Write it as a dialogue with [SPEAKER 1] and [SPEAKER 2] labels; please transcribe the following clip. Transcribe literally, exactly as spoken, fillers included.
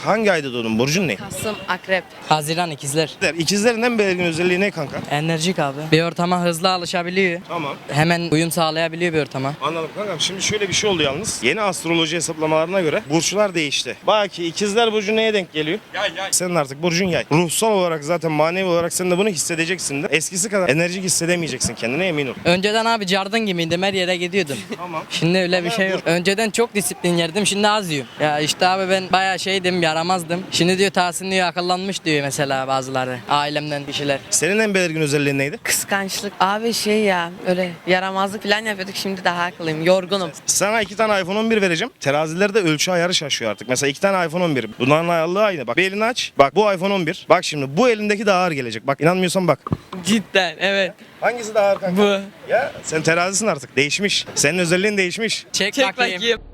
[SPEAKER 1] Hangi ayda doğdun? Burcun ne?
[SPEAKER 2] Kasım, Akrep.
[SPEAKER 3] Haziran ikizler.
[SPEAKER 1] İkizlerin en belirgin özelliği ne kanka?
[SPEAKER 3] Enerjik abi. Bir ortama hızlı alışabiliyor.
[SPEAKER 1] Tamam.
[SPEAKER 3] Hemen uyum sağlayabiliyor bir ortama.
[SPEAKER 1] Anladım kankam. Şimdi şöyle bir şey oldu yalnız. Yeni astroloji hesaplamalarına göre burçlar değişti. Bak ki ikizler burcu neye denk geliyor? Yay yay. Senin artık burcun yay. Ruhsal olarak zaten manevi olarak sen de bunu hissedeceksin de. Eskisi kadar enerjik hissedemeyeceksin kendine, emin ol.
[SPEAKER 3] Önceden abi cardın gibiydim, her yere gidiyordum.
[SPEAKER 1] Tamam.
[SPEAKER 3] Şimdi öyle bir
[SPEAKER 1] Ama
[SPEAKER 3] şey yok. Önceden çok disiplin yerdim, şimdi az yiyorum. Ya işte abi ben bayağı şeydim, yaramazdım. Şimdi diyor Tahsin diyor akıllanmış diyor mesela bazıları. Ailemden kişiler.
[SPEAKER 1] Senin en belirgin özelliğin neydi?
[SPEAKER 2] Kıskançlık. Abi şey ya öyle yaramazlık falan yapıyorduk, şimdi daha akıllıyım. Yorgunum.
[SPEAKER 1] Sana iki tane iPhone on bir vereceğim. Terazilerde ölçü ayarı şaşıyor artık. Mesela iki tane iPhone on bir. Bunların ayarlığı aynı. Bak bir elini aç. Bak bu iPhone on bir. Bak şimdi bu elindeki daha ağır gelecek. Bak inanmıyorsan bak.
[SPEAKER 2] Cidden evet.
[SPEAKER 1] Hangisi daha ağır kanka?
[SPEAKER 2] Bu.
[SPEAKER 1] Ya sen terazisin artık. Değişmiş. Senin özelliğin değişmiş.
[SPEAKER 3] Çek,
[SPEAKER 2] Çek
[SPEAKER 3] bakayım.
[SPEAKER 2] bakayım.